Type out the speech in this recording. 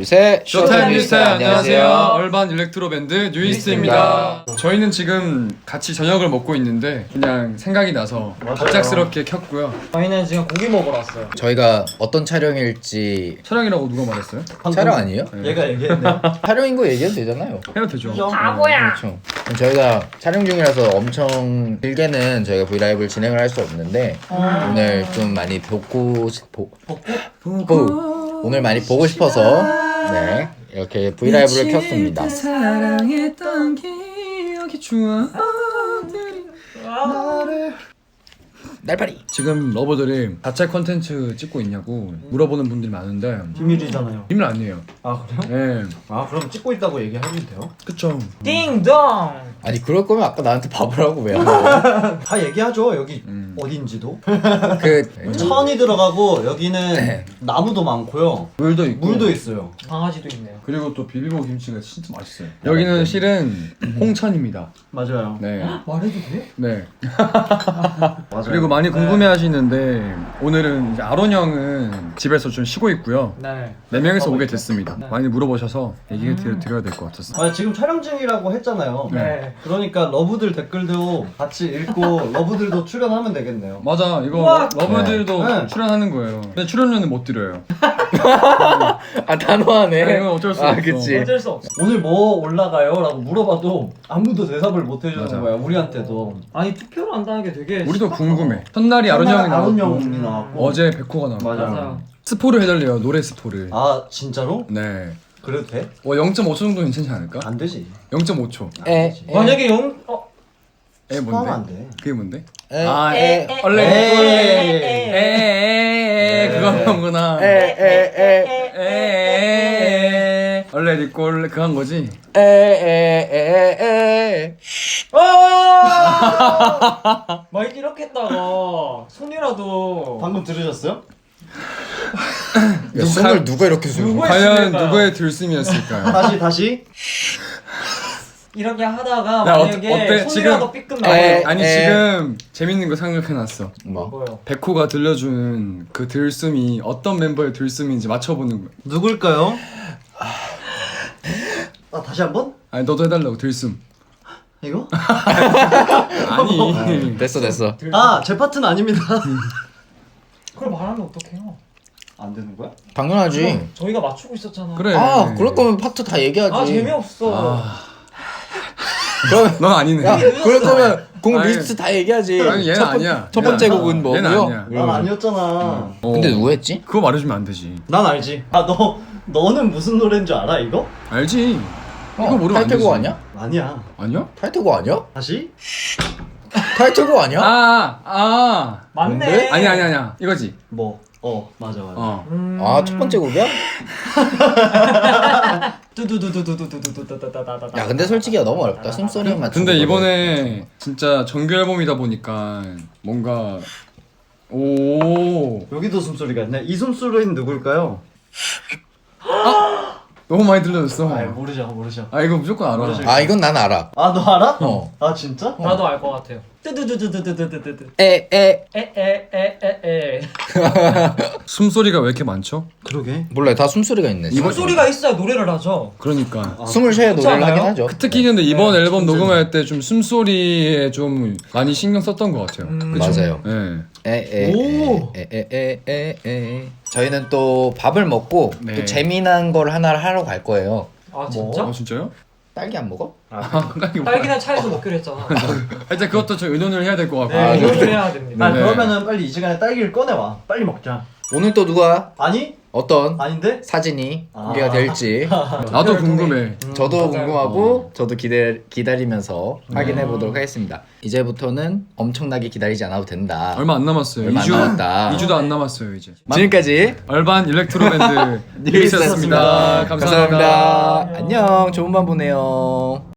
둘, 셋. 쇼타임 뉴스타임 안녕하세요. 얼반 일렉트로 밴드 뉴이스트입니다. 저희는 지금 같이 저녁을 먹고 있는데 그냥 생각이 나서 갑작스럽게 켰고요. 저희는 지금 고기 먹으러 왔어요. 저희가 어떤 촬영일지. 촬영이라고 누가 말했어요? 촬영 아니에요? 얘가 얘기했네요. 촬영인 거 얘기해도 되잖아요. 해도 되죠. 바보야. 그렇죠. 그럼 저희가 촬영 중이라서 엄청 길게는 저희가 브이라이브를 진행을 할 수 없는데 오늘 좀 많이 오늘 많이 보고 싶어서 네 이렇게 브이라이브를 켰습니다. 사랑했던 기억이 추억들이 나를 날파리. 지금 러버들이 가짜 컨텐츠 찍고 있냐고 물어보는 분들이 많은데 비밀이잖아요. 비밀 아니에요. 아 그래요? 네, 아 그럼 찍고 있다고 얘기하면 돼요? 그쵸. 띵동. 아니 그럴 거면 아까 나한테 바보라고 왜 한 거야? 다 얘기하죠. 여기 어딘지도. 그 천이 들어가고 여기는 네. 나무도 많고요. 물도 있고 물도 있어요. 강아지도 있네요. 그리고 또 비비고 김치가 진짜 맛있어요. 여기는 실은 홍천입니다. 맞아요. 네, 말해도 돼? 네. 맞아요. 그리고 많이 궁금해하시는데 오늘은 이제 아론 형은 집에서 좀 쉬고 있고요. 네. 4명이서 오게 됐습니다. 네. 많이 물어보셔서 얘기 드려야 될 것 같았어요. 아 지금 촬영 중이라고 했잖아요. 네. 그러니까 러브들 댓글도 같이 읽고 러브들도 출연하면 되겠네요. 맞아, 이거 우와! 러브들도 네. 출연하는 거예요. 근데 출연료는 못 드려요. 아 단호하네. 네, 이건 어쩔 수 없어. 그치. 어쩔 수 없어. 오늘 뭐 올라가요? 라고 물어봐도 아무도 대답을 못 해주는 맞아. 거야 우리한테도. 아니 투표를 한다는 게 되게 우리도 신박하다. 궁금해. 첫날이 아론 형이 아론 나왔고 형이 나왔고 어제 백호가 나왔고 맞아. 맞아요. 스포를 해달래요. 노래 스포를. 아 진짜로? 네. 그래도 돼? 0.5초 정도 괜찮지 않을까? 안 되지. 0.5초. 에. 만약에 에 스포하면 뭔데? 안 돼. 그게 뭔데? 에. 아, 에. 원래 에이. 에에에 그거 하는구나. 에에에 원래 리꼴 그거 한 거지? 에에에에에. 막 이렇게 했다가 손이라도 방금 들으셨어요? 야, 손을 누가 이렇게 술? 누구의 과연 심일까요? 누구의 들숨이었을까요? 다시 이렇게 하다가 야, 만약에 어때? 손이라도 지금- 삐끗 에. 나고 아니 지금 재밌는 거 생각해놨어. 뭐? 뭐요? 백호가 들려준 그 들숨이 어떤 멤버의 들숨인지 맞춰보는 거야. 누굴까요? 다시 한번? 아니 너도 해달라고 들숨. 이거? 아니 됐어. 제 파트는 아닙니다. 그걸 말하면 어떡해요? 안 되는 거야? 당연하지. 저희가 맞추고 있었잖아. 그래. 아 그럴 거면 파트 다 얘기하지. 아 재미없어. 그럼 넌 아니네. 야 그럴 거면 곡 아니, 리스트 다 얘기하지. 아니 얘는 아니야. 첫 번째 얘는 곡은 얘는 뭐고요? 아니야. 난 아니었잖아. 어. 근데 누구 했지? 그거 말해주면 안 되지. 난 알지. 너는 무슨 노래인 줄 알아 이거? 알지. 이거 모르면 안 되지. 타이틀곡 아니야? 아니야. 아니야? 타이틀곡 아니야? 다시? 타이틀곡 아니야? 맞네. 뭔데? 아니야. 이거지. 뭐? 맞아. 어. 아 첫 번째 곡이야? 뚜두두두두두두두두두두두두두. 야 근데 솔직히 너무 어렵다. 숨소리만 맞추고. 근데 이번에 진짜 정규 앨범이다 보니까 뭔가 오 여기도 숨소리가 있네. 이 숨소리는 누굴까요? 너무 많이 들려줬어. 모르죠. 아 이거 무조건 알아. 모르죠. 아 이건 난 알아. 너 알아? 어. 아 진짜? 나도 알 것 같아요. 뚜두두두두두두두두. 에에 에에에에에. 숨소리가 왜 이렇게 많죠? 그러게. 몰라 다 숨소리가 있네. 소리가 있어야 노래를 하죠. 그러니까 숨을 쉬어야 노래를 않아요? 하긴 하죠. 특히 근데 이번 네, 앨범 녹음할 때 좀 숨소리에 좀 많이 신경 썼던 것 같아요. 그쵸? 맞아요. 네. 오. 에에에에에에. 저희는 또 밥을 먹고 네. 또 재미난 걸 하나를 하러 갈 거예요. 아 진짜? 진짜요? 딸기 안 먹어? 딸기는 차에서 먹기로 했잖아. 일단 그것도 좀 의논을 해야 될 것 같고. 네, 그래? 이걸 해야 됩니다. 네. 그러면은 빨리 이 시간에 딸기를 꺼내와. 빨리 먹자. 오늘 또 누가 아니? 어떤 아닌데? 사진이 공개가 될지 나도 궁금해. 저도 맞아요. 궁금하고 저도 기다리면서 확인해 보도록 하겠습니다. 이제부터는 엄청나게 기다리지 않아도 된다. 얼마 안 남았어요. 얼마 안 2주, 남았다. 2주도 안 남았어요 이제. 지금까지 얼반 일렉트로 밴드 뉴이스트였습니다. 감사합니다. 감사합니다. 안녕. 좋은 밤 보내요.